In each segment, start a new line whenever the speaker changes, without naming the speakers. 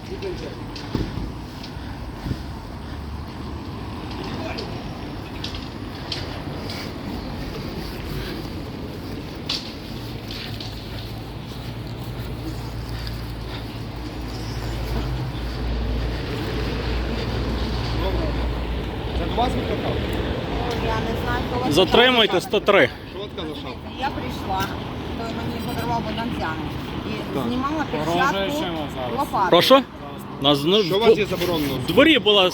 Це до вас викликав?
Я не знаю, хто вас
Затримуйте 103.
Швидка лишав.
Я прийшла, то мені подарував Богданцян. І
Так.
знімала перчатку лопатою.
Прошу? Нас, ну,
Що у вас є заборонено?
в дворі була...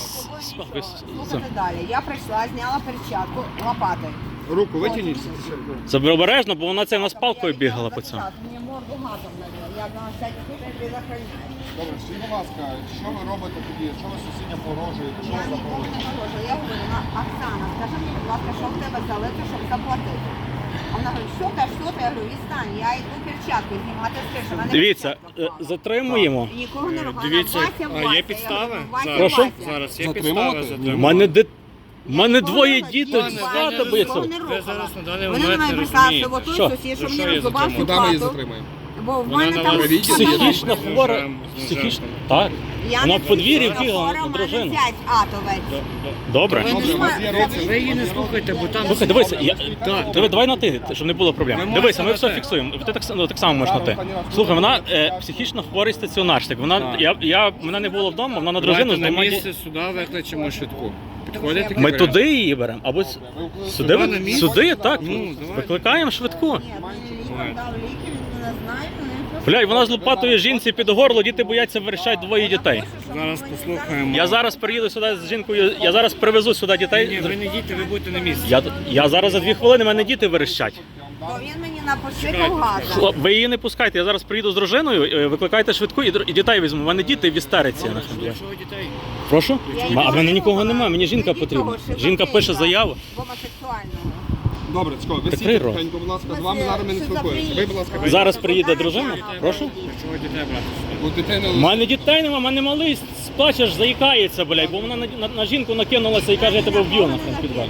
Слухайте далі. Я прийшла, зняла перчатку лопатою.
Руку витягніть.
Це обережно, бо вона це на з палкою бігала по цьому.
Мені морду газом налила. Я на всякий случай предохраняю.
Добре, скажіть, будь ласка, що ви робите тоді? Що ви сусідям погрожуєте? Що
Я
ви
нікому
запорожуєте?
не говорю. Я говорю, Оксана, скажи мені, будь ласка, що в тебе залито, щоб заплатити? А вона говорить, що ти? Я говорю, відстань, я йду перчатки знімати з криші. Мене
Дивіться,
перчатка впала.
затримуємо.
І нікого не ругала.
Дивіться,
Вася,
а є
Вася.
підстави?
Я говорю, Вася,
Прошу?
Вася.
Зараз є
Затримувати?
підстави
У мене
Я
мене
нікого
двоє
не
дітей
бачила,
з
я
хати
нікого
биться.
не рухала.
Ви зараз на даний
Вони на
момент
мене
не
прислали, що
розумієте.
от
Що?
той сусід, що
За що
мені
її
розрубав
затримують?
Куди ми її
хату,
затримаємо?
бо в
Вона
мене
на
там
вас
Психічно
з
хвора.
ножем.
Психічно. Так.
Я
Вона
не
в подвір'ї
психічно
бігала
хвора,
на
в мене
дружину.
зять атовець.
Добре.
Ви
Добре, у вас є руки.
Ви її не слухайте, бо там...
Слухай, дивися,
Так,
давай на ти, щоб не було проблем.
Ми
Дивися, ми
можемо
все
на ти.
фіксуємо. Ти так само можеш на ти. Слухай, вона психічно хворий стаціонарщик. Вона, мене не було вдома, вона на дружину
Давайте
з
на
двома
місце сюди викличемо швидку. Підходите?
Ми туди її беремо, або
Сюди на місце?
сюди, так.
Ну, давай.
Викликаємо швидку.
Ні, мені лікар дав ліки, він не знає,
Бля, і вона з лопатою жінці під горло, діти бояться, верещать двоє дітей.
Зараз послухаємо.
Я зараз приїду сюди з жінкою, я зараз привезу сюди
Ні,
дітей.
ви не йдіть, ви будете на місці.
Я зараз за 2 хвилини, в мене діти верещать.
То він мені напошикав газом.
Хлоп, ви її не пускайте, я зараз приїду з дружиною, викликайте швидку і дітей візьму. У мене діти в істериці.
Якщо ви дітей...
Прошу?
Я
А в мене нікого
нікого
немає, мені жінка
Ідіть
потрібна.
того шизофреніка,
Жінка пише заяву.
Гомосексуального.
Добре, Цько, ви
Прикрий
сідьте
рот.
тихенько, будь ласка, з вами зараз ми не спілкуємося. Ви, будь ласка, вийдіть.
Зараз приїде дружина. Прошу?
Якщо ви дітей брати сюди.
У дитини
У мене дітей нема, в мене малий сплачеш, заїкається, блядь, бо вона на жінку накинулася і каже, я тебе вб'ю на підвалі.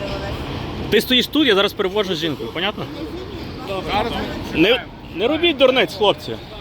Ти стоїш тут, я зараз перевожу жінку, понятно?
зараз ми
Не робіть дурниць, хлопці.